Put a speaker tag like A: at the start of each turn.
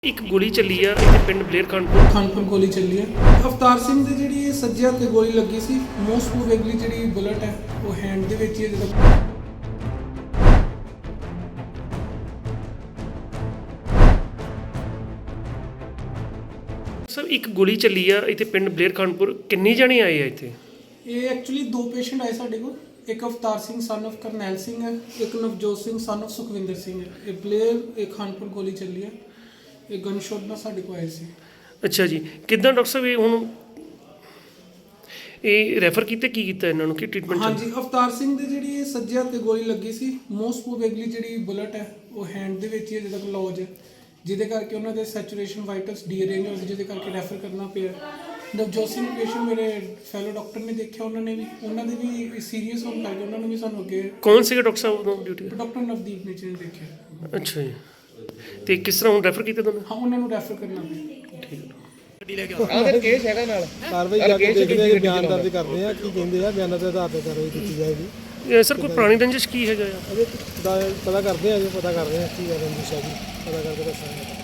A: ਇੱਕ ਗੋਲੀ ਚੱਲੀ ਆ ਇੱਥੇ ਪਿੰਡ ਬਲੇਰ
B: ਖਾਨਪੁਰ ਗੋਲੀ ਚੱਲੀ ਹੈ। ਅਵਤਾਰ ਸਿੰਘ ਦੇ ਜਿਹੜੀ ਸੱਜੇ ਹੱਥ ਤੇ ਗੋਲੀ ਲੱਗੀ ਸੀ, ਮੋਸਟ ਪ੍ਰੋਬੇਬਲੀ ਜਿਹੜੀ ਬੁਲਟ ਹੈ ਉਹ ਹੈਂਡ ਦੇ ਵਿੱਚ ਹੀ ਹੈ। ਜਦੋਂ
A: ਸਰ ਇੱਕ ਗੋਲੀ ਚੱਲੀ ਆ ਇੱਥੇ ਪਿੰਡ ਬਲੇਰ ਖਾਨਪੁਰ, ਕਿੰਨੇ ਜਣੇ ਆਏ ਆ ਇੱਥੇ?
B: ਇਹ ਐਕਚੁਅਲੀ ਦੋ ਪੇਸ਼ੈਂਟ ਆਏ ਸਾਡੇ ਕੋਲ। ਇੱਕ ਅਵਤਾਰ ਸਿੰਘ ਸਨ of ਕਰਨੈਲ ਸਿੰਘ ਹੈ, ਇੱਕ ਨਵਜੋਤ ਸਿੰਘ ਸਨ of ਸੁਖਵਿੰਦਰ ਸਿੰਘ ਹੈ। ਇਹ ਬਲੇਰ ਇਹ ਖਾਨਪੁਰ ਗੋਲੀ ਚੱਲੀ ਹੈ। ਇਹ ਗਨ ਸ਼ਾਟ ਨਾਲ ਸਾਡੇ ਕੋਲ ਆਏ ਸੀ।
A: ਅੱਛਾ ਜੀ, ਕਿੱਦਾਂ ਡਾਕਟਰ ਸਾਹਿਬ ਇਹ ਹੁਣ ਇਹ ਰੈਫਰ ਕੀਤੇ, ਕੀ ਕੀਤਾ ਇਹਨਾਂ ਨੂੰ, ਕੀ ਟ੍ਰੀਟਮੈਂਟ?
B: ਹਾਂਜੀ, ਅਵਤਾਰ ਸਿੰਘ ਦੇ ਜਿਹੜੀ ਸੱਜੇ ਹੱਥ ਤੇ ਗੋਲੀ ਲੱਗੀ ਸੀ, ਮੋਸਟ ਪ੍ਰੋਬੇਬਲੀ ਜਿਹੜੀ ਬੁਲਟ ਹੈ ਉਹ ਹੈਂਡ ਦੇ ਵਿੱਚ ਹੀ ਅਜੇ ਤੱਕ ਲੌਜ ਹੈ, ਜਿਹਦੇ ਕਰਕੇ ਉਹਨਾਂ ਦੇ ਸੈਚੂਰੇਸ਼ਨ ਵਾਈਟਲਸ ਡੀਅਰੇਂਜ ਹੋ ਗਏ, ਜਿਹਦੇ ਕਰਕੇ ਰੈਫਰ ਕਰਨਾ ਪਿਆ। ਨਵਜੋਤ ਸਿੰਘ ਪੇਸ਼ੈਂਟ ਮੇਰੇ ਫੈਲੋ ਡਾਕਟਰ ਨੇ ਦੇਖਿਆ, ਉਹਨਾਂ ਦੇ ਵੀ ਸੀਰੀਅਸ ਹੋਣ ਕਰਕੇ ਉਹਨਾਂ ਨੂੰ ਵੀ ਸਾਨੂੰ ਅੱਗੇ।
A: ਕੌਣ ਸੀਗਾ ਡਾਕਟਰ ਸਾਹਿਬ ਉਦੋਂ ਡਿਊਟੀ?
B: ਡਾਕਟਰ ਨਵਦੀਪ ਨੇ ਜੀ ਦੇਖਿਆ।
A: ਅੱਛਾ ਜੀ, ਤੇ ਕਿਸ ਤਰ੍ਹਾਂ ਹੁਣ ਰੈਫਰ ਕੀਤਾ ਤੁਹਾਨੂੰ?
B: ਹਾਂ, ਉਹਨਾਂ ਨੂੰ ਰੈਫਰ ਕਰਨਾ ਪਿਆ।
A: ਠੀਕ ਹੈ।
C: ਕੇਸ ਹੈਗਾ ਨਾਲ ਕਾਰਵਾਈ ਜਾ ਕੇ ਦੇਖਦੇ ਆ, ਬਿਆਨ ਦਰਜ ਕਰਦੇ ਆ, ਕੀ ਕਹਿੰਦੇ ਆ, ਬਿਆਨਾਂ ਦੇ ਆਧਾਰ ਤੇ ਕਾਰਵਾਈ ਕੀਤੀ ਜਾਏਗੀ।
A: ਇਹ ਸਰ ਕੋਈ ਪੁਰਾਣੀ ਰੰਜਿਸ਼ ਕੀ ਹੈਗਾ ਆ?
C: ਅਜੇ ਪਤਾ ਕਰਦੇ ਆ, ਪਤਾ ਕਰ ਰਹੇ ਆ ਕੀ ਰੰਜਿਸ਼ ਹੈ ਜੀ, ਪਤਾ ਕਰਕੇ ਦੱਸਾਂਗੇ।